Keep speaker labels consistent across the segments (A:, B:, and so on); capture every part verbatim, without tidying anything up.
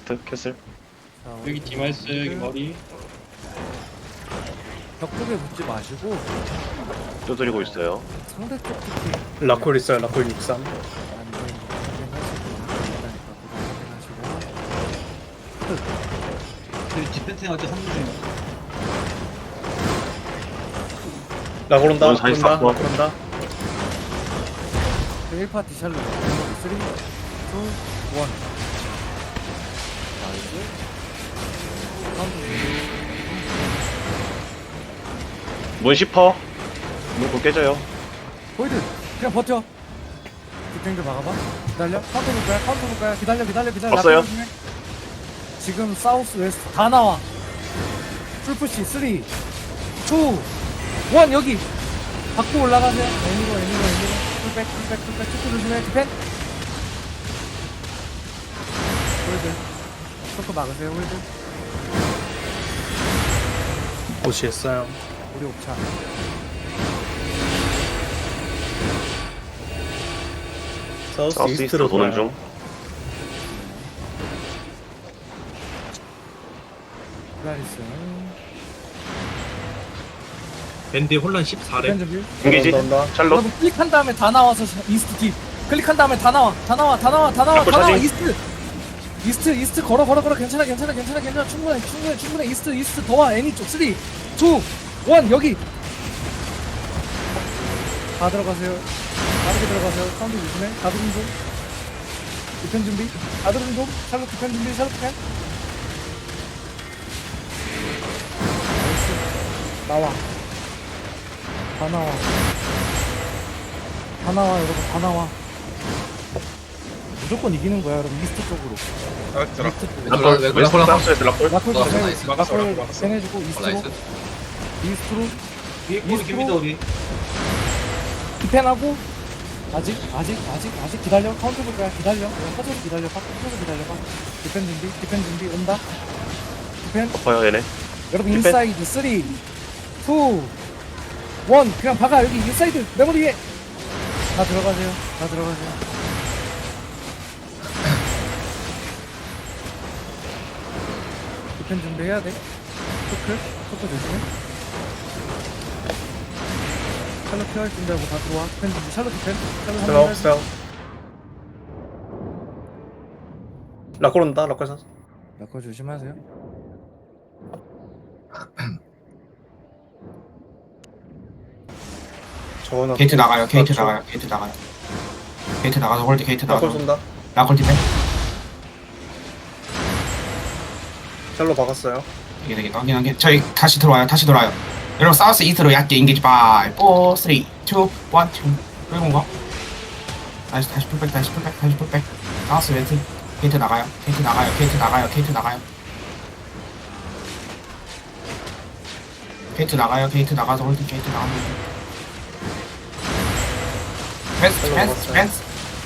A: 웨스트 캐슬.
B: 자,
C: 여기 디마이스 여기 머리.
B: 벽 쪽에 붙지 마시고
A: 두드리고 있어요.
B: 상대 쪽 특히
D: 라콜 있어요. 라콜 육삼.
B: 안전 확인하시고 확인하시고
C: 저기 디펜팅 할때 삼 분 중이야.
D: 라콜 온다.
A: 넌
D: 라콜 온다.
A: 사십사 번.
D: 라콜 온다.
B: 일 파티 샬롯 삼, 이, 일 나이스
A: 문 십 퍼. 문곧 깨져요.
B: 보이드 그냥 버텨 디펜드 막아봐 기다려 카운터 볼 거야 카운터 볼 거야 기다려 기다려 기다려
A: 없어요.
B: 라켓 조심해. 지금 사우스 웨스트 다 나와 풀푸시 삼, 이, 일 여기 받고 올라가세요 애니로 애니로 애니로 풀백 풀백 풀백 축구 조심해 디펜 홀드 초크 막으세요 홀드
D: 고시했어요.
B: 우리 옵차
D: 사우스,
A: 사우스
D: 이스트로
A: 이스트로 도는
D: 돌아요.
A: 중.
B: 기다리세요
E: 밴드 혼란 십사 렙.
B: 디펜 준비
A: 중기지.
D: 온다, 온다.
A: 샬롯.
B: 여러분 클릭한 다음에 다 나와서 이스트 딥 클릭한 다음에 다 나와 다 나와 다 나와 다 나와
A: 자꾸
B: 다 나와
A: 차징.
B: 이스트 이스트 이스트 걸어 걸어 걸어 괜찮아 괜찮아 괜찮아 괜찮아 충분해 충분해 충분해 이스트 이스트 더와 애니 쪽 삼, 이, 일 여기 다 들어가세요 빠르게 들어가세요 사운드 조심해 다 들은 좀 디펜 준비 다 들은 좀 샬롯 디펜 준비 샬롯 디펜 나이스 나와 다 나와 다 나와 여러분 다 나와 무조건 이기는 거야 여러분 이스트 쪽으로 이스트 쪽으로
A: 라콜.
E: 왜, 왜,
A: 웨스트
E: 라콜,
A: 사우스에서 라콜.
B: 라콜
E: 막았어,
B: 세네
E: 나이스.
D: 막았어,
B: 라콜
D: 막았어.
B: 세내주고 이스트로
E: 나이스.
B: 이스트로
C: 위에 꼬리 깁니다 우리.
B: 디펜하고 아직 아직 아직 아직 기다려 카운터 볼 거야 기다려 그냥 퍼져서 기다려 퍼져서 기다려봐 디펜 준비 디펜 준비 온다 디펜
A: 덮어요 얘네.
B: 여러분
A: 디펜.
B: 인사이드 삼, 이, 일 그냥 박아 여기 인사이드 메모리 위에 다 들어가세요 다 들어가세요 디펜 준비해야 돼 토크 토크 조심해 샬롯 피할 준비하고 다 들어와 디펜 준비 샬롯 디펜 샬롯
D: 제가
B: 한번
D: 없어요. 라콜 온다. 라콜 사.
B: 라커 조심하세요
D: 저거는
F: 게이트 나가요. 게이트
D: 그렇죠.
F: 나가요. 게이트 나가요. 게이트 나가서 홀드 게이트
D: 라콜
F: 나가서
D: 쏜다.
F: 라콜 디펜.
D: 샬로 박았어요.
F: 이게 되겠다. 확인 확인. 저희 다시 들어와요. 다시 돌아요. 여러분 사우스 이스트로 얕게 인게이지 바이 사, 삼, 이, 일, 끌고 거. 다시 다시 풀백 다시 풀백 다시 풀백. 사우스 웨스트 게이트 나가요. 게이트 나가요. 게이트 나가요. 게이트 나가요. 게이트 나가요. 게이트 나가서 홀드 게이트 나가면 펜스 펜스 펜스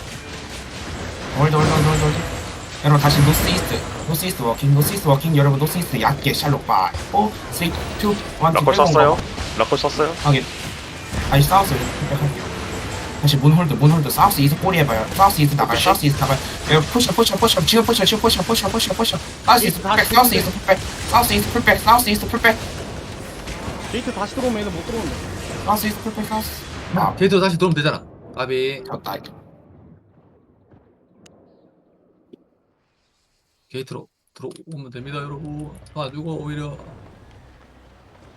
F: 홀드 홀드 홀드 홀드 홀드. 여러분 다시 노스 이스트 노스 이스트 워킹 노스 이스트 워킹 여러분 노스 이스트 얕게 샬롯 바이 사, 삼, 이, 일
A: 라콜 썼어요. 라콜 썼어요.
F: 확인. 다시 사우스 백할게요. 다시 문 홀드 문 홀드 사우스 이스트 꼬리 해봐요. 사우스 이스트 나가요.
A: 푸시.
F: 사우스 이스트 나가요. 여러분 푸시 푸시 푸시 지금 푸시 지금 푸시 푸시 푸시 푸시 사우스 이스트 풀백 사우스 이스트 풀백 사우스 이스트 풀백 사우스 이스트 풀백
C: 게이트 다시 들어오면 얘는 못 들어온다.
F: 사우스 이스트 풀백 사우스 아
E: 게이트로 다시 들어오면 되잖아. 까비.
F: 졌다
E: 게이트로 들어오면 됩니다, 여러분. 가지고 오히려